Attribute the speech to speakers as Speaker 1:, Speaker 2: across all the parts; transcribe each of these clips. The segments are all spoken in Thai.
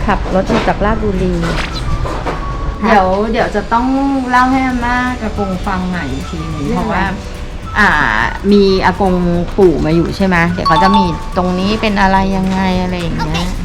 Speaker 1: ขับรถมาจากราชบุรีเดี๋ยวจะต้องเล่าให้อาม่ากับกงฟังใหม่อีกทีหนึงเพราะว่ามีอากงปู่มาอยู่ใช่ไหมเดี๋ยวเขาจะมีตรงนี้เป็นอะไรยังไงอะไรอย่างเงี้ย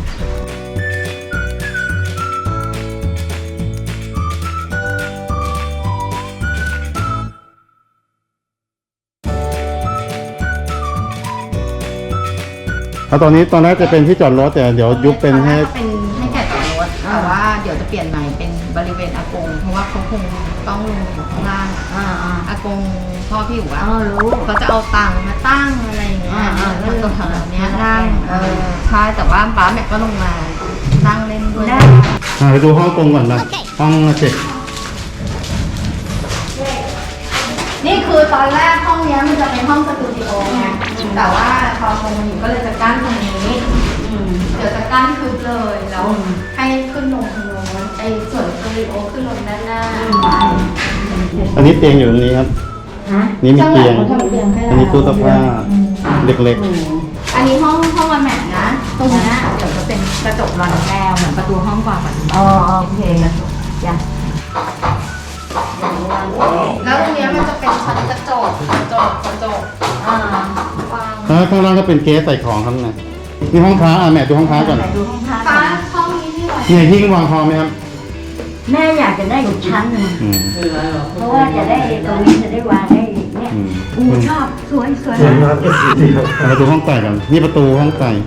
Speaker 2: แล้วตอนแรกจะเป็นที่จอดรถแต่เดี๋ยวยุบเป็นให้
Speaker 1: แก่จอดรถแต่ว่าเดี๋ยวจะเปลี่ยนใหม่เป็นบริเวณอากงเพราะว่าเขาคงต้องลงอยู่ข้างล่างอากงพ่อพี่อยู่ว่ารู้เขาจะเอาตังมาตั้งอะไรอย่างเงี้ยแล้วตรงแถวนี้นั่งใช่แต่ว่าป้าแม่ก็ลงมานั่งเล่นด้วย
Speaker 2: ไปดูห้องกงก่อนนะห้องเจ็ด
Speaker 1: นี่คือตอนแรกห้องนี้มันจะเป็นห้องสตูดิโอไงแต่ว่าพอคงมาอยู่ก็เลยจะกั้นตรงนี้เดี๋ยวจะกั้นคืบเลยแล้วให้ขึ้นลงตรงโน้นไอ้ส่วนสตูดิโอขึ้นลงด้านหน้า
Speaker 2: อันนี้เตียงอยู่ตรงนี้ครับนี่มีเตียงอันนี้ตู้เสื้อผ้าเล็ก
Speaker 1: ๆอันนี้ห้องวันแม่นะตรงนี้เดี๋ยวจะเป็นกระจกรอนแก้วเหมือนประตูห้องกว่าประตูโอเคจ้ะแล้วตรงนี้มันจะเป็นชั้นกระจก
Speaker 2: แล้วข้างล่างก็เป็นเก๊ใส่ของครับนะนี่ห้องพระแม่ดูห้องพระก่อน
Speaker 1: ดูห้องพระห้องนี้ที่ไหน
Speaker 2: เนี่ยหิ้งวางพอไหมครับ
Speaker 3: แม่อยากจะได้อีกชั้นหนึ่งเพราะว่าจะได้ตรงนี้จะได้วางได้เนี่ยชอบสวย
Speaker 2: มาดูห้องไก่กันนี่ประตูห้องไก่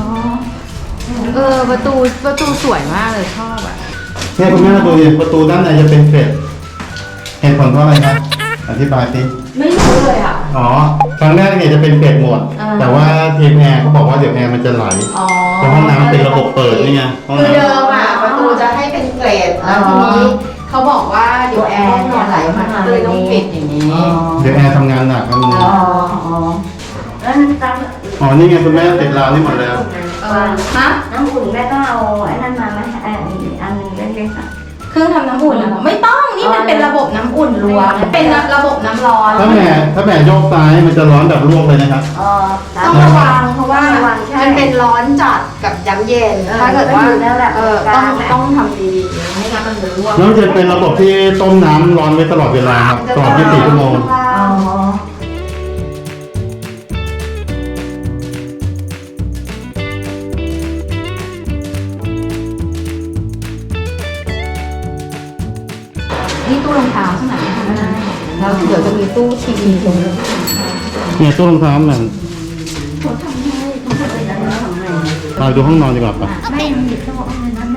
Speaker 1: ประตูสวยมากเลยชอบอ่ะ
Speaker 2: เนี่ยคุณแม่มาดูดิประตูด้านในจะเป็นเกล็ดเห็นผลเพราะอะไรครับอธิบายสิ
Speaker 1: ไม่รู้เลยอ่ะ
Speaker 2: ครั้งแรกเนี่ยจะเป็นเกล็ดหมดแต่ว่าทีมแอร์เขาบอกว่าเดี๋ยวแอร์มันจะไหลเพราะห้องน้ำเป็นระบบเปิดนี่ไง
Speaker 1: คือเดิมอ่ะประตูจะให้เป็นเกล็ดแล้วทีนี้เขาบอกว่าเดี๋ยวแอร์เนี่ยไหลมาก็เลยต้องปิดอย่างนี้
Speaker 2: เดี๋ยวแอร์ทำงานหนักครับมัน
Speaker 3: แล้ว
Speaker 2: นี่ไงคุณแม่ติดราวนี่หมดแล้ว
Speaker 3: น้ำอุ่นแม่ต้องเอาไอ้นั่นมาไหมอันนึงเล็กๆ
Speaker 1: เครื่องทำน้ำอุ่นไม่ต้องนี่มันเป็นระบบน้ำอุ่นรวมเป็นระบบน้ำร้อน
Speaker 2: ถ้าแม่โยกซ้ายมันจะร้อนแบบลวกเลยนะครับ
Speaker 1: ต้องระวังเพราะว่ามันเป็นร้อนจัดกับย้ำเย็นถ้าเกิดว่าต้องทำดีๆไม่งั้นมันจะลวก
Speaker 2: แล้วจะเป็นระบบที่ต้มน้ำร้อนไว้ตลอดเวลาครับตลอด24 ชั่วโมง
Speaker 1: นี่ตู้รองเท้าใช่ไหมแล้วเดี๋ยวจะมีตู้ทีวีตรงนี้
Speaker 2: เนี่ยตู้รองเท้าเหมือน
Speaker 3: เขาทำให้
Speaker 2: เราดูห้องนอนดีกว่าปะ
Speaker 3: ไม่มีโต๊ะอะไรนั้น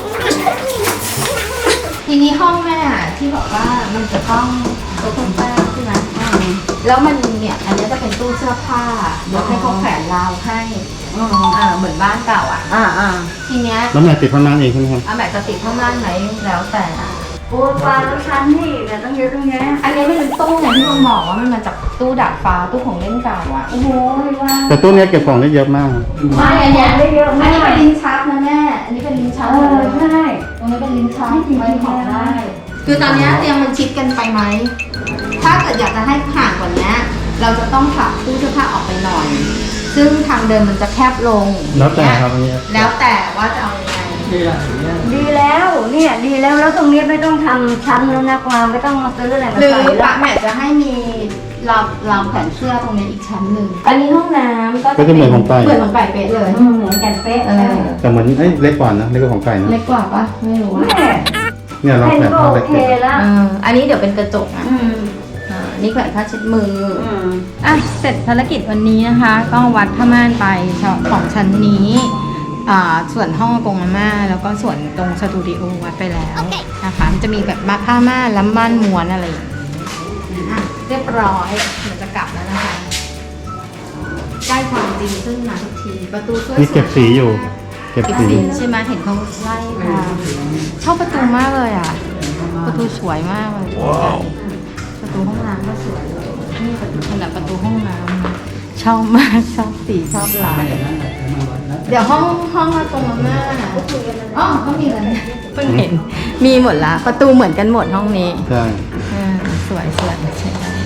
Speaker 1: ทีนี้ห้องแม่ที่บอกว่ามันจะต้องโต๊ะคนแป้งใช่ไหมแล้วมันเนี่ยอันนี้จะเป็นตู้เสื้อผ้าเดี๋ยวให้เขาแขวนราวให้เหมือนบ้านเก่าทีเนี้ย
Speaker 2: แล้วแม่ติดผ้าม่านเองใช่ไหมครับ
Speaker 1: แม่จะติดผ้าม่านไหมแล้วแต่
Speaker 3: ปูฟ้าแล้วชั้นที่แบบต้องเยอะตรงนี้
Speaker 1: อันนี้มันเป็นตู้อย่างที่ผมบอกว่ามันมาจากตู้ดาดฟ้าตู้ของเล่นเก่า
Speaker 3: โอ้โหว่า
Speaker 2: แต่ตู้นี้เก็บของได้เยอะมาก
Speaker 1: ไม่อันนี้ได้เยอะมากอันนี้เป็นลิ้นชักนะแม่อันนี้เป็นลิ้นชัก
Speaker 3: ใช่
Speaker 1: ตรงนี้เป็นลิ้นชักไว้ของได้คือตอนนี้เตียงมันชิดกันไปไหมถ้าเกิดอยากจะให้ห่างกว่านี้เราจะต้องผลักตู้เสื้อผ้าออกไปหน่อยซึ่งทางเดินมันจะแคบลง
Speaker 2: แล้วแต่ครับอันนี้
Speaker 1: แล้วแต่ว่าจะเอายังไง
Speaker 3: ดีแล้วเนี่ยดีแล้วตรงนี้ไม่ต้องทำชั้นแล้วนะกวางไม่ต้องมาซื้ออะไรมา
Speaker 1: ใส่หรือป้าแม่จะให้มีราวแขวนเสื้อตรงนี้อีกชั้นหนึ่งอันนี้ห้องน้ำ
Speaker 2: ก็จะเหมือนของไก่
Speaker 1: เหมือนของไก่เป๊ะเลย
Speaker 3: เหมือนกันเป๊ะ
Speaker 2: แต่เหมือนเล็กกว่านะเล็กกว่าของไก่นะ
Speaker 1: เล็กกว่าปะไม่รู้
Speaker 2: เนี่ยเราแขวนผ้าเล็ก
Speaker 1: อันนี้เดี๋ยวเป็นกระจกนะนี่แขวนผ้าเช็ดมือเสร็จภารกิจวันนี้นะคะก็วัดผ้าม่านไปของชั้นนี้ส่วนห้องกงอาม่าแล้วก็ส่วนตรงสตูดิโอวัดไปแล้วนะคะมันจะมีแบบผ้าม่านล้ำม่านม้วนอะไรอย่างนี้เรียบร้อยเหมือนจะกลับแล้วนะคะได้ความจริงซึ่งมาทุกทีประตูช่วย
Speaker 2: นี่เก็บสีอยู่เก็บสี
Speaker 1: ใช่ไหมเห็นเขาไล่มาชอบประตูมากเลยประตูสวยมากเลยประตูห้องน้ำก็สวยนี่ขนาดประตูห้องน้ำชอบมากชอบสีชอบลายเดี๋ยวห้องตรงนั้นก็มีอะไรเพิ่งเห็นมีหมดละประตูเหมือนกันหมดห้องนี้
Speaker 2: ใช่
Speaker 1: สวยใช่